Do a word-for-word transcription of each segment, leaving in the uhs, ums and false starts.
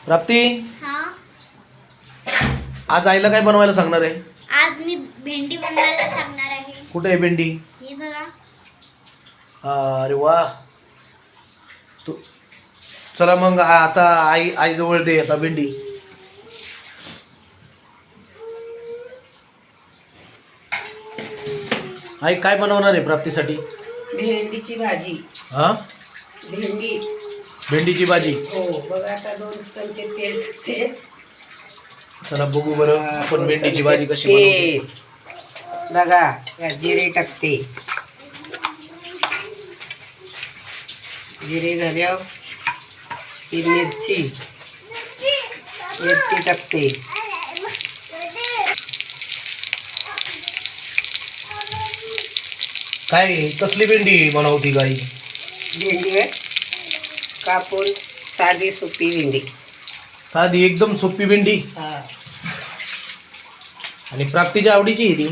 प्राप्ती, हाँ आज आईला काय बनवायला सांगणार आहे? आज मी भेंडी बनवायला सांगणार आहे. कुठे आहे भेंडी? हे बघा. हा, अरे वा. तू चला मग आता आई आई जवळ दे आता भेंडी. आई काय बनवणार आहे प्राप्तीसाठी? भेंडीची भाजी. हा, भेंडी. भेंडीची भाजी. हो बघा, आता दोन चमचे तेल टाकते. चला बघू बरं आपण भेंडीची भाजी कशी तेल बनवतो. बघा, यात जिरे टाकते. जिरे झाल्यावर ही मिरची मिरची टाकते. काय कसली भेंडी बनवती गाई? भेंडी आहे कापून साधी सुपी भेंडी. साधी एकदम सोपी भेंडी. हा. आणि प्राप्तीच्या आवडीची आहे ती.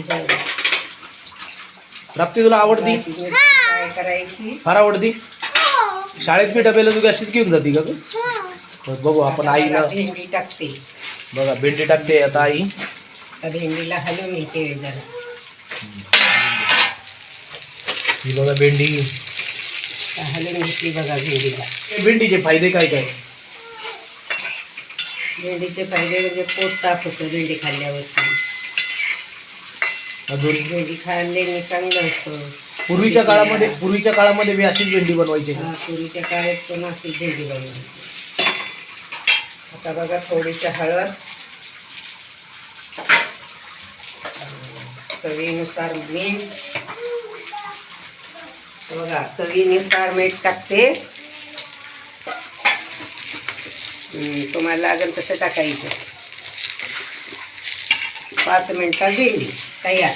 प्राप्ती तुला आवडती? काय करायची? फार आवडती. शाळेत मी डब्याला तू अशीच घेऊन जाती का तू? बरं, बघू आपण आईला. भेंडी टाकते. बघा भेंडी टाकते आता आई. त्या भेंडीला हलवून घेते जरा. ही बघा भेंडी. हलवून घेतली बघा भेंडीला. भेंडीचे फायदे काय काय? भेंडीचे फायदे म्हणजे पोट साफ होतं भेंडी खाल्ल्यावरती. अजून भेंडी खाल्ल्याने चांगलं असतं. पूर्वीच्या काळामध्ये पूर्वीच्या काळामध्ये मी अशीच भेंडी बनवायची. हा, पूर्वीच्या काळात पण अशी भेंडी बनवायची. आता बघा थोडीशी हळद, चवीनुसार मीठ. बघा चवीनुसार मीठ टाकते. हम्म, तुम्हाला लागेल तसं टाकायचं. पाच मिनिटात भेंडी तयार.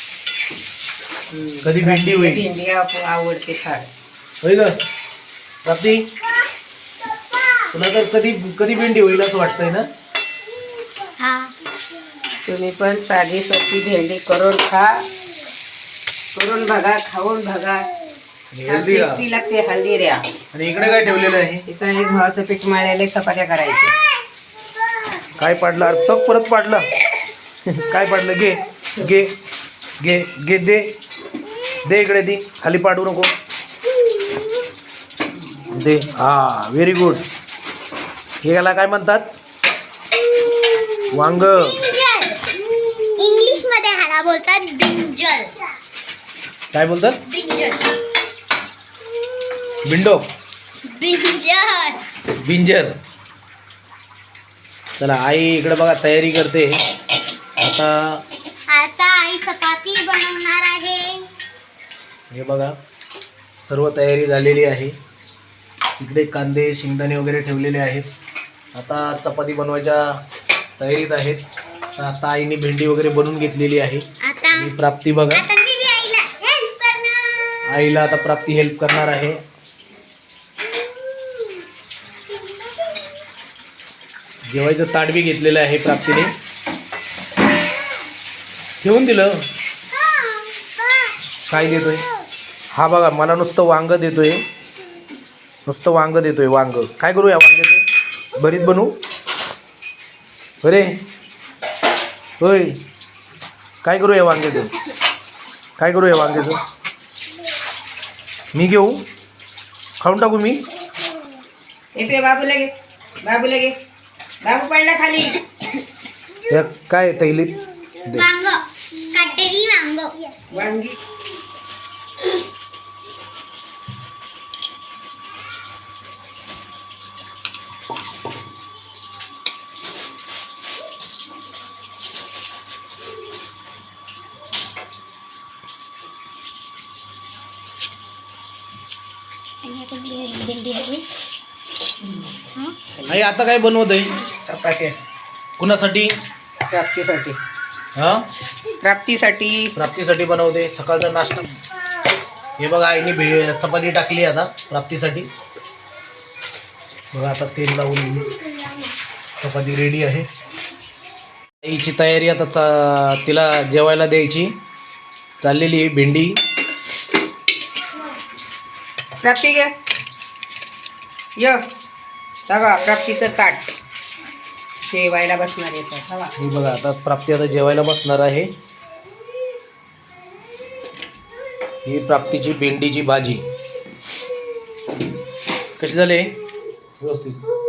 कधी भेंडी होईल? भेंडी आप- आवडते फार. होय ग प्राप्ती, तुला तर कधी कधी भेंडी होईल असं वाटतंय ना? हाँ तुम्ही पण साधी सोपी भेंडी करून खा. करून बघा, खाऊन बघा. हेल्दी का? टेस्टी लागते हल्दी ऱ्या. आणि इकडे काय ठेवलेलं आहे? इथं एक गव्हाचं पीठ मळलेले चपात्या करायच्या. काय पाडलं? अरे तक परत पाडलं. काय पाडलं? घे घे घे घे दे दे इकडे दी. खाली पाडू नको. दे. हा, व्हेरी गुड. हे याला काय म्हणतात? वांग. इंग्लिश मध्ये ह्याला बोलतात ब्रिंजल. काय बोलतात? ब्रिंजल. बिंडो. ब्रिंजल. बिंजर. चला आई इकडे बघा तयारी करते आता. आता आई चपाती बनवणार आहे. हे बघा सर्व तयारी झालेली आहे. इकडे कांदे शेंगदाणे वगैरे ठेवलेले आहेत. आता चपाती बनवायच्या तयारीत आहेत. तर आता आईने भेंडी वगैरे बनवून घेतलेली आहे. आता आणि प्राप्ती बघा आता मी बी आईला हेल्प करणार. आईला आता प्राप्ती हेल्प करणार आहे. जेवायचं ताट बी घेतलेलं आहे प्राप्तीने. ठेवून दिलं. काय देतोय हा? बघा मला नुसतं वांग देतोय. नुसतं वांग देतोय. वांग काय करू या वांग्याचं? भरीत बनवू? अरे होय, काय करू या वांग्याचं? काय करू या वांग्याचं? मी घेऊ? खाऊन टाकू मी? येते बाबू लगे. बाबू लगे. बाबू पडला खाली. या काय तैलीत दे. वांग काटेरी वांग. वांगी. भेंडी हवी. आई आता काय बनवत आहे? चपात्या कुणासाठी? प्राप्तीसाठी. हा, प्राप्तीसाठी. प्राप्तीसाठी बनवते. सकाळचा नाश्ता. हे बघा आईने भे चपाती टाकली आता प्राप्तीसाठी. बघा आता तेल लावून चपाती रेडी आहे. आईची तयारी आता चा तिला जेवायला द्यायची चाललेली आहे. भेंडी. प्राप्ती घ्या. य बघा प्राप्तीचं ताट. जेवायला बसणार येतात हवा. हे बघा आता प्राप्ती आता जेवायला बसणार आहे. ही प्राप्तीची भेंडीची भाजी कशी झाली व्यवस्थित.